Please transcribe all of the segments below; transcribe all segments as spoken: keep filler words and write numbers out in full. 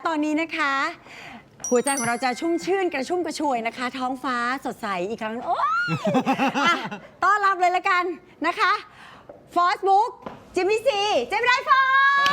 ตอนนี้นะคะหัวใจของเราจะชุ่มชื่นกระชุ่มกระชวยนะคะ ท้องฟ้าสดใสอีกครั้งโอ๊ยอ่ะต้อนรับเลยละกันนะคะฟอสบุ๊กจิมมี่ซีเจมินายฟอ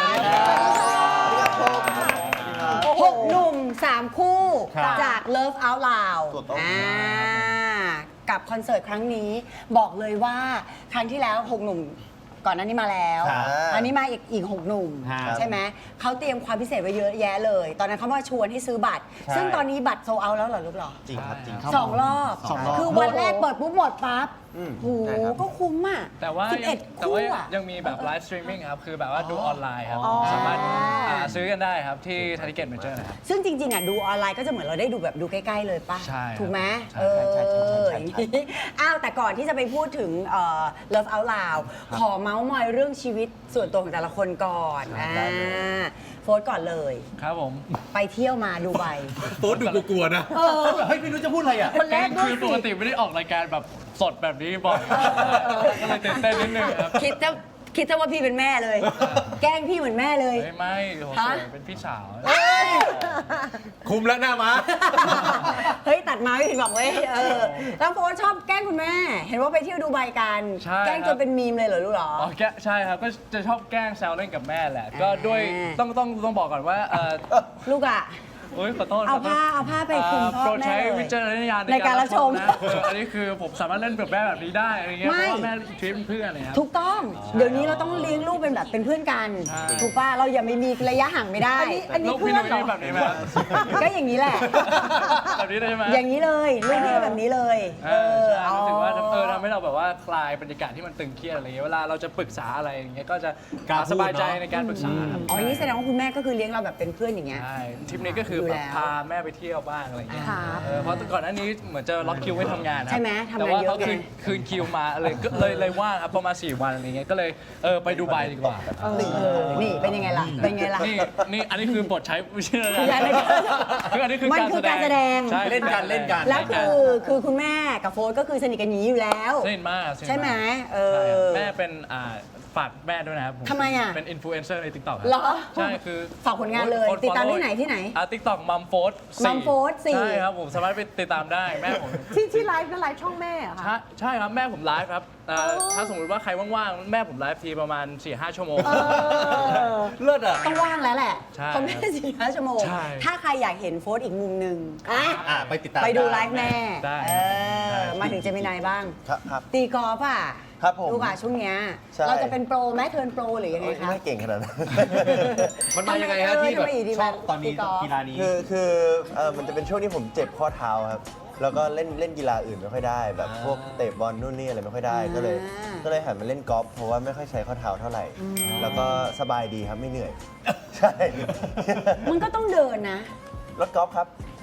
หกหนุ่มสามคู่จาก Love Out Loud อ่ากับคอนเสิร์ตครั้งนี้บอกเลยว่าครั้งที่แล้วหกหนุ่มก่อนหน้านี้มาแล้วอันนี้มาอีกอีกหกหนุ่มใช่ไหมเขาเตรียมความพิเศษไว้เยอะแยะเลย ตอนนั้นเขามาชวนให้ซื้อบัตรซึ่งตอนนี้บัตรโซลเอาท์แล้วเหรอลูกเหรอจริงครับจริงสองรอบคือวันแรกเปิดปุ๊บหมดปั๊บโหก็คุ้มอ่ะแต่ว่าสิบเอ็ดแต่ว่าคู่อะยังมีแบบไลฟ์สตรีมมิ่งครับ คือแบบว่าดูออนไลน์ครับ สามารถอ่าซื้อกันได้ครับที่ทาริเก็ตเมเจอร์นะครับซึ่งจริงๆอ่ะดูออนไลน์ก็จะเหมือนเราได้ดูแบบดูใกล้ๆเลยป่ะใช่ครับถูกไหมใช่เออใช่ใช่ใช่ใช่ใช่อ้าวแต่ก่อนที่จะไปพูดถึงเอ่อ Love Out Loud ขอเมาส์มอยเรื่องชีวิตส่วนตัวของแต่ละคนก่อนอ่าโฟร์ธก่อนเลยครับผมไปเที่ยวมาดูไบโต๊ดดูกลัวๆนะเฮ้ยไม่รู้จะพูดอะไรอ่ะคนแรกด้วยคือปกติไม่ได้ออกรายการแบบสดแบบนี้บ่อยก็เลยตื่นเต้นนิดนึงครับคิดจะคิดจะว่าพี่เป็นแม่เลย แกล้งพี่เหมือนแม่เลยไม่ไม่โหสวยเป็นพี่สาวคุมแล้วหน้าม้าเฮ้ย ตัดมาไม่ผิดหวังเว้ยเออแล้วโฟร์ชอบแกล้งคุณแม่ เห็นว่าไปเที่ยวดูไบกันใช่แกล้งจนเป็นมีมเลยเหรอลูกเหรออ๋อแกใช่ครับก็จะชอบแกล้งแซวเล่นกับแม่แหละ ก็อ่าด้วยต้องต้องต้องบอกก่อนว่าเออลูกอ่ะโอ๊ยขอโทษเอาขโทษผ้าเอาผ้าไปคลุมพ่อโปรดแม่ใช้เลยวิจารณญาณในการรับชมนะเอออันนี้คือผมสามารถเล่นกับแม่แบบนี้ได้อะไรเงี้ยไม่เพราะว่าแม่ทริปเพื่อนอะไรครับถูกต้อง เดี๋ยวนี้เราต้องเลี้ยงลูกเป็นแบบเป็นเพื่อนกันใช่ถูกป่ะ เราอย่าไม่มีระยะห่างไม่ได้อันนี้ลูกพี่เพื่นุ้อนยเหรอแบบนี้ไหมครับก็อย่างนี้แหละแบบนี้เลยใช่ไหมอย่างนี้เลยลูกพี่ก็แบบนี้เลยเออใช่รู้สึกว่าเออทำให้เราแบบว่าคลายบรรยากาศที่มันตึงเครียดอะไรเงี้ยเวลาเราจะปรึกษาอะไรอย่างเงี้ยก็จะกล้าพูดสบายใจเนอะในการปรึกษาครับอ๋อนี่แสดงว่าคุณแม่ก็คือเลี้ยงเราแบบเป็นเพื่อนอย่างเงี้ยใช่ทริปนี้ก็คือดูแบแล้บวพาแม่ไปเที่ยวบ้างอะไรเงี้ยครับเออเพราะก่อนหน้านี้เหมือนจะล็อกคิวไว้ทำงานนะใช่ไหมทำงานแต่ว่าเยอะเขาคืนไงคืนคิวมาเลยก็เลยเลยว่างครับประมาณสี่วันอะไรเงี้ยก็เลยเออไปดูไบดีกว่าเออนี่เป็นยังไงล่ะ เป็นไงล่ะนี่นี่อันนี้คือบทใช้วิชาคือการเล่นคืออันนี้คือมันการคือการแสดงใช่เล่นกันเล่นกันแล้วคือคือคุณแม่กับโฟร์ก็คือสนิทกันอย่างนี้อยู่แล้วสนิทมากสนิทากใช่ไหมเออใช่ครับแม่เป็นอ่าฝากแม่ด้วยนะครับผทำไมอ่ะเป็นอินฟลูเอนเซอร์ใน ติ๊กต็อกเหรอใช่คือฝากผลงานเลยคนติดตาม follow ที่ไหนที่ไหนอ่าติ๊กต็อกมัมโฟส Mum Food สี่ใช่ครับผมสามารถไปติดตามได้แม่ผมที่ที่ไลฟ์ก็ไลฟ์ช่องแม่เหรอใช่คะใช่ครับแม่ผมไลฟ์ครับอ่าถ้าสมมติว่าใครว่างๆแม่ผมไลฟ์ทีประมาณ สี่ห้า ชั่วโมงเออเลิศอ่ะต้องว่างแล้วแหละใช่เพราะแม่สี่ห้าชั่วโมงใช่ถ้าใครอยากเห็นโฟร์อีกมุมหนึ่งอ่ะอ่ะไปติดตามไปดูได้ไลฟ์แม่ได้เอใช่อมาถึงเจมินายบ้างครับครับตีกอล์ฟอ่ะครับผมลูกอ่ะช่วงเนี้ยใช่เราจะเป็นโปรไหมเทิร์นโปรหรือยังไงคะไม่เก่งขนาดนั้นมันมายังไงฮะที่แบบชอบตอนนี้ตีกอล์ฟกีฬานี้คือคือเออมันจะเป็นช่วงที่ผมเจ็บข้อเท้าครับ แล้วก็เล่นเล่นกีฬาอื่นไม่ค่อยได้ แบบพวกเตะบอลนู่นนี่อะไรไม่ค่อยได้ ก็เลยอ่าก็เลยหันมาเล่นกอล์ฟเพราะว่าไม่ค่อยใช้ข้อเท้าเท่าไหร่ แล้วก็สบายดีครับไม่เหนื่อย ใช่มันก็ต้องเดินนะรถกอล์ฟครับ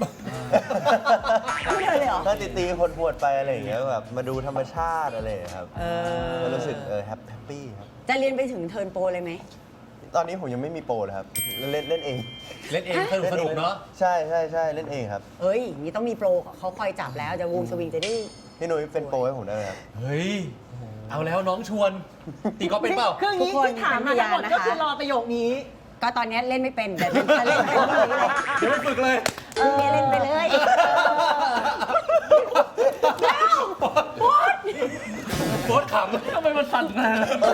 ไม่เดินเลยเหรอถ้าตีตีคนพวดไปอะไรอย่างเงี้ยแบบมาดูธรรมชาติอะไรอย่างเงี้ยครับเออก็รู้สึกเออแฮปแฮปปี้ครับจะเรียนไปถึงเทิร์นโปรเลยไหมตอนนี้ผมยังไม่มีโปรเลยครับ เล่นเล่นเองเล่นเองสนุกสนุกเนาะใช่ใช่ใช่เล่นเองครับเฮ้ยนี่ต้องมีโปรเขาคอยจับแล้วจะวงสวิงจะได้พี่นุ้ยเป็นโปรให้ผมได้ไหมครับเฮ้ย เอาแล้วน้องชวน ตีกอล์ฟเป็นเปล่าคืออย่างนี้ทุกคนที่ถามมาทั้งหมดเป็นพยานนะคะก็คือรอประโยคนี้ก็ตอนนี้เล่นไม่เป็นแต่จะเล่นเป็นคนนี้เลยเดี๋ยวไปฝึกเลยเออเล่นไปเลยโค้ชขำทำไมมันสั่นนะ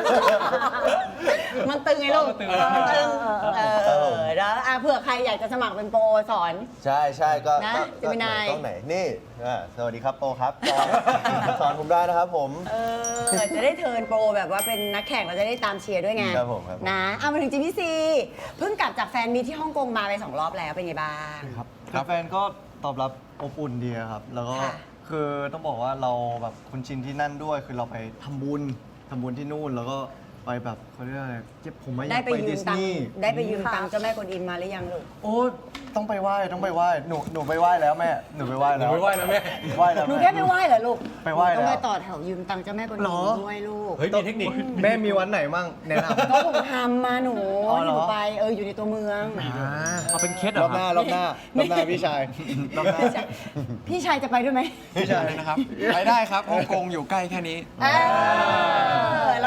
มันตึงไงลูกมันตึงมันตึงเออแล้วอ่ะเผื่อใครอยากจะสมัครเป็นโปรสอนใช่ใช่ก็นะก็เจมินายต้องไหนนี่อ่าสวัสดีครับโปรครับสอนสอนผมได้นะครับผมเออจะได้เทิร์นโปรแบบว่าเป็นนักแข่งเราจะได้ตามเชียร์ด้วยไงครับผมครับผมนะเอามาถึงจิมมี่ซีเพิ่งกลับจากแฟนมีตที่ฮ่องกงมาไปสองรอบแล้วเป็นไงบ้างครับคือแฟนก็ตอบรับอบอุ่นดีครับ แล้วก็ค่ะคือต้องบอกว่าเราแบบคุ้นชินที่นั่นด้วย คือเราไปทำบุญทำบุญที่นู่น แล้วก็ไปแบบเขาเรียกอะไรเจ็บผมไม่อยาได้กไปไปยืดิมสตังนีค์ย์ได้ไปยืมตังค์เจ้าแม่กวนอิมมาหรือยังลูกโอ้ต้องไปไหว้ต้องไปไหว้หนูหนูไปไหว้แล้วแม่หนูไปไหว้หนูแล้วไปไหว้แล้วแม่ไหว้แล้วหนูแม่แค่ไปไหว้เหรอลูกไปไหว้แล้วต้องไปต่อแถวยืมตังค์เจ้าแม่กวนอิหรมอด้วยลูกเฮ้ย มีเทคนิคแม่มีวันไหนมั่งแนะนำก็ผมทำมาหนูอ๋อเหรอที่หนูไปเอออยู่ในตัวเมืองเอาเป็นเคสเหรรออบหน้ารอบหน้ารอบหน้าพี่ชายรอบหน้าพี่ชายพี่ชายจะไปด้วยไหมพี่ชายนะครับ ไปได้ครับฮ่องกงอยู่ใกล้แค่นี้เออเรา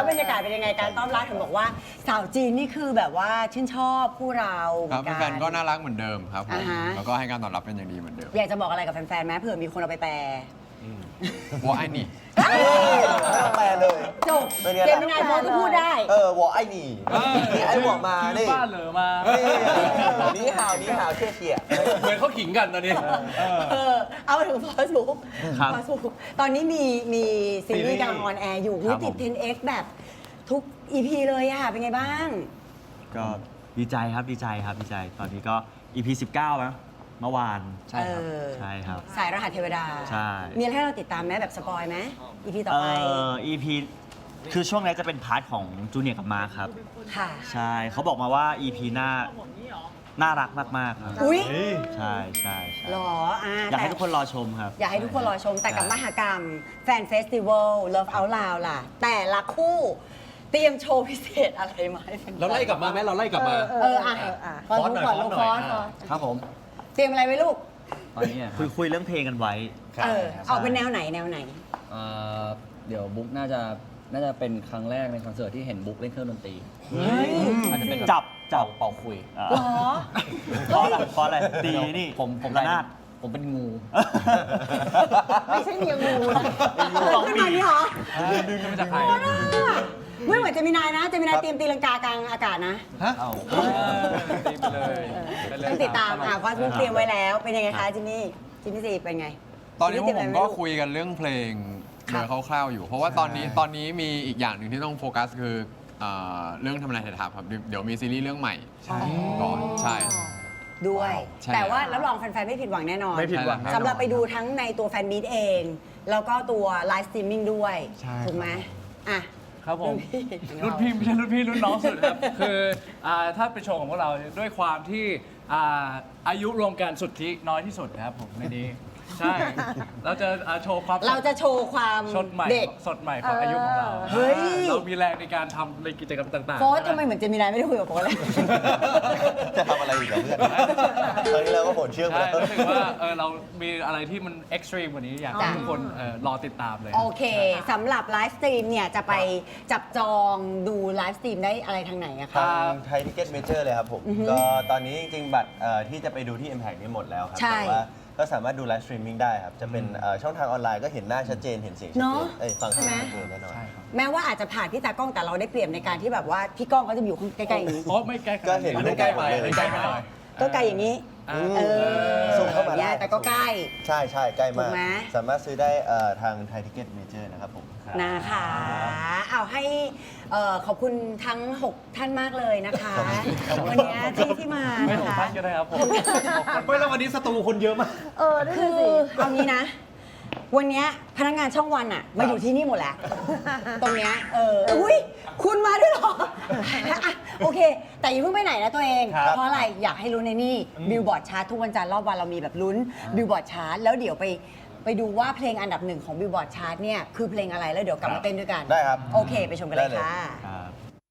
แล้วบรรยากาศเป็นยังไงการต้อนรับถึงบอกว่าสาวจีนนี่คือแบบว่าชื่นชอบคู่เราเหคมืรับอนกันแฟนๆก็น่ารักเหมือนเดิมครับผมอ่าฮะแล้วก็ให้การตอบรับเป็นอย่างดีเหมือนเดิมอยากจะบอกอะไรกับแฟนๆไหมเผื่อมีคนเอาไปแปลว่าไอ้นี่ไม่ต้องแปลเลยจบเป็นไงเจล่ะมินายโฟก็พูดได้เออวอไอ้นี่นี่ไอ้บอกมานี่บ้านเหลือมานี่ห่าวนี่ห่าวเชี่ยเชี่ยเหมือนเขาขิงกันตอนนี้เออเอามาถึงฟอสบุ๊กครับฟอสบุ๊กตอนนี้มีมีซีรีส์กำลังออนแอร์อยู่ครับติดผมเทน เอ็กซ์ แบบทุก อี พี เลยอะเป็นไงบ้างก็ดีใจครับดีใจครับดีใจ ตอนนี้ก็ อี พี สิบเก้าแล้วเมื่อวานใช่ครับใช่ครับสายรหัสเทวดาใช่มีอะไรให้เราติดตามไหมแบบสปอยไหม อี พี ต่อเอ่ไปอ อี พี คือช่วงนี้จะเป็นพาร์ทของจูเนียร์กับมาร์คครับค่ะใช่เขาบอกมาว่า อี พี หน้าน่ารักมากๆครับอุ๊ยใช่ใช่ใช่หรออ่าอยากให้แต่ทุกคนรอชมครับอยากให้ทุกคนรอชมแต่กับใช่มหกรรม แฟนเฟสติวัล Love Out Loud ล่ะ แต่ละคู่เตรียมโชว์พิเศษอะไรมาให้แฟนๆเราไล่กลับมาไหมเราไล่กลับมาเอออ่ะฟอนฟอนหน่อยก่อนฟอนลูกหน่ฟอยอนฟอ่ะอนครับผมเตรียมอะไรไว้ลูกตอนนี้อะคุยคุยเรื่องเพลงกันไว้เออออกเป็นแนวไหนแนวไหนเอ่อเดี๋ยวบุ๊กน่าจะน่าจะเป็นครั้งแรกในคอนเสิร์ตที่เห็นบุ๊กเล่นเครื่องดนตรีอาจจะเป็นแบบจับจับเป่าคุยอ่าหรอเพราะอะไรเพราะอะไรตีนี่ผมผมระนาดผมเป็นงูไม่ใช่เมียงูนะขึ้นมานี่เหรอดึงมาจากใครไม่เหมือนเจมินายนะเจมินายเตรียมตีลังกากลางอากาศนะตีไปเลยไปเลยต้องติดตามอ่ะฟอสบุ๊กเตรียมไว้แล้ว เป็นยังไงคะจิมมี่จิมมี่ซีเป็นไงตอนนี้พวกผมก็ยคุยกันเรื่องเพลงครัโดบยคร่าวๆอยู่ เพราะว่าตอนนี้ตอนนี้มีอีกอย่างหนึ่งที่ต้องโฟกัสคือเอ่อเรื่องทำนายไทยทัพครับ เดี๋ยวมีซีรีส์เรื่องใหม่ก่อนใช่ด้วยใช่แต่ว่ารับรองแฟนๆไม่ผิดหวังแน่นอนไม่ผิดหวังสำหรับไปดูทั้งในตัวแฟนมีตเอง แล้วก็ตัวไลฟ์สตรีมมิ่งด้วยใช่ถูกไหมอ่ะครับผมรุ่รุ่นนพี่พี่ไม่ใช่รุ่นพี่รุ่นน้องสุดครับ คืออ่าถ้าเป็นโชว์ของพวกเราด้วยความที่อ่าอายุรวมกันสุทธิน้อยที่สุดครับผมในนี้ ใช่ เราจะอ่าโชว์ความเราจะโชว์ความสดใหม่เด็กสดใหม่ของอายุของเราเฮ้ยเรามีแรงในการทำในกิจกรรมต่างๆโฟสทำไมเหมือนเจมินายไม่ได้คุยกับโฟสเลยจะทำอะไรอีกกับเพื่อนตอนนี้เราก็โหดเชื่องไปใช่แล้วรู้สึกว่าเออเรามีอะไรที่มันเอ็กซ์ตรีมกว่านี้อยากให้จ้ะทุกคนเอ่อรอติดตามเลยโอเคสำหรับไลฟ์สตรีมเนี่ย จะไปจับจองดูไลฟ์สตรีมได้อะไรทางไหนอะคะทางไทยทิเก็ตเมเจอร์เลยครับผม ก็ตอนนี้จริงๆ บัตรเอ่อที่จะไปดูที่ Impact นี่หมดแล้วครับใช่แต่ว่าก็สามารถดูไลฟ์สตรีมมิ่งได้ครับ จะเป็นเอ่อช่องทางออนไลน์ก็เห็นหน้าชัดเจน เห็นเสียงชัดเนเจอะนเอ้ยฟังเสียงใช่ไหมชัดเจนแน่นอนแม้ว่าอาจจะผ่านพี่ตากล้องแต่เราได้เปรียบในการที่แบบว่าพี่ก้องเขาจะอยู่ข้างใกล้ๆอย่างนี้เพราะไม่ใกล้ก็เห็นอัรูปใกล้ไปเลยอันนั้นใกล้ไปหน่อยก็ไกลอย่างนี้อ่าเออส่งเข้ามาได้แต่ก็ใกล้ใช่ใช่ใกล้มากถูกไหมสามารถซื้อได้เอ่อทางไทยทิเก็ตเมเจอร์นะครับผมนะคะเอาให้เอ่อขอบคุณทั้ง 6 ท่านมากเลยนะคะ วันนี้ที่ที่มาไม่นะถูกคะท่านก็ได้ครับผมไม่แล้ววันนี้สตูคนเยอะมากเออได้คือสิเอางี้นะ วันเนี้ยพนักงานช่องวันอะมาอยู่ที่นี่หมดแล้ว ตรงเนี้ยเอออุ้ยคุณมาด้วยเหรออ่ะโอเค แต่อย่าเพิ่งไปไหนนะตัวเองครับเพราะอะไรอยากให้รู้ในนี่บิลบอร์ดชาร์ตทุกวันจันทร์รอบวันเรามีแบบลุ้นบิลบอร์ดชาร์ตแล้วเดี๋ยวไปไปดูว่าเพลงอันดับหนึ่งของบิลบอร์ดชาร์ตเนี่ยคือเพลงอะไรแล้วเดี๋ยวกลับมาเต้นด้วยกันได้ครับโอเคไปชมกันเลยได้เลยค่ะครับ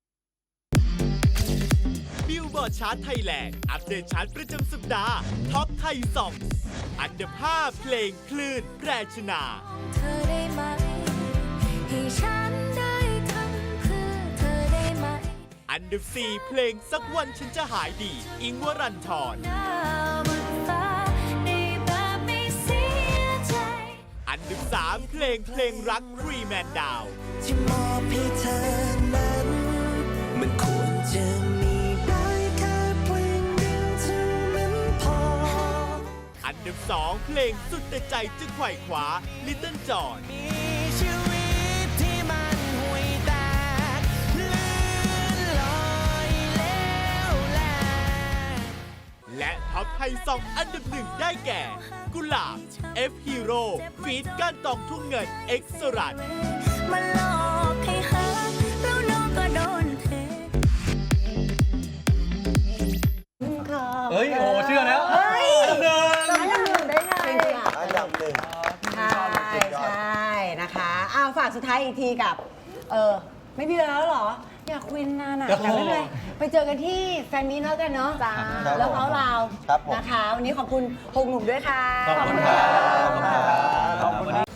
บิลบอร์ดชาร์ตไทยแลนด์อัปเดตชาร์ตประจำสัปดาห์ท็อปไทยซองอันดับห้าเพลงคลื่นแพรชนาเธอได้ไหมให้ฉันได้ทำเพื่อเธอได้ไหมอันดับสี่เพลงสักวันฉันจะหายดี อิงค์วรันทรหน้าบนฟ้าในแบบไม่เสียใจอันดับสามเพลงเพลงรักฟรีแมนดาวที่มอบให้เธอนั้น มันควรจะมีได้แค่เพลงเดียวเท่านั้นพออันดับสองเพลงสุดแต่ใจจะไขว่คว้า Little John มีชีวิตที่มันห่วยแตกเลื่อนลอยแล้วแลและท็อปไทยซองอันดับหนึ่งได้แก่ กุหลาบ F Hero ฟีดก้านตองทุ่งเงิน X สรันมาหลอกให้หาแล้วน้องก็โดนเทเฮ้ย โอ้โหเชื่อแล้วเฮ้ยแล้วยังหนึ่งได้ไงเป็นค่ะอันดับหนึ่งใช่ใช่นะคะอ้าวฝากสุดท้ายอีกทีกับ เออไม่มีแล้วเหรอ อยากคุยนานอ่ะครับแต่ไม่เป็นไรไปเจอกันที่แฟนมีตแล้วกันเนาะจ้าแล้วเขาเราครับผมนะคะ วันนี้ขอบคุณหกหนุ่มด้วยค่ะขอบคุณครับขอบคุณครับ